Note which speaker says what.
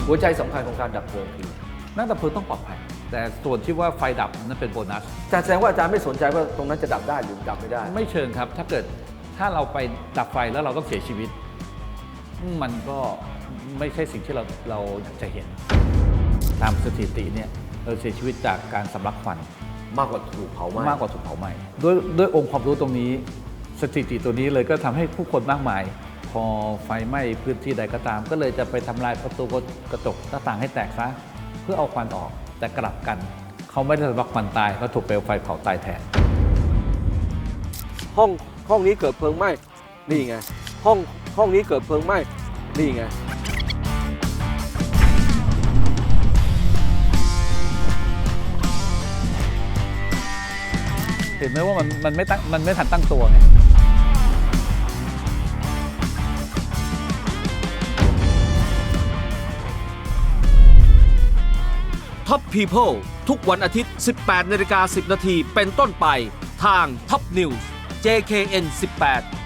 Speaker 1: หัวใจสำคัญของการดับเพลิงคือ
Speaker 2: นักดับเพลิงต้องปลอดภัยแต่ส่วนที่ว่าไฟดับนั้นเป็นโบนัส
Speaker 1: อาจารย์แสดงว่าอาจารย์ไม่สนใจว่าตรงนั้นจะดับได้หรือดับไม่ได้
Speaker 2: ไม่เชิงครับถ้าเราไปดับไฟแล้วเราต้องเสียชีวิต มันก็ไม่ใช่สิ่งที่เราอยากจะเห็นตามสถิติเนี่ยเราเสียชีวิตจากการสำลักควัน
Speaker 1: มากกว่าถูกเผาไหม้
Speaker 2: มากกว่าถูกเผาไหม้ด้วยองค์ความรู้ตรงนี้สถิติตัวนี้เลยก็ทำให้ผู้คนมากมาย พอไฟไหม้พื้นที่ใดก็ตาม ก็เลยจะไปทำลายประตูกระจกหน้าต่างให้แตกซะเพื่อเอาควันออกแต่กลับกันเขาไม่ได้สำลักควันตายเขาถูกเปลวไฟเผาตายแทน
Speaker 1: ห้องนี้เกิดเพลิงไหม้นี่ไงห้องนี้เกิดเพลิงไหม้นี่ไง
Speaker 2: เห็นไหมว่ามันไม่ทันตั้งตัวไง
Speaker 3: Top People ทุกวันอาทิตย์ 18:10 น.เป็นต้นไปทาง Top News JKN 18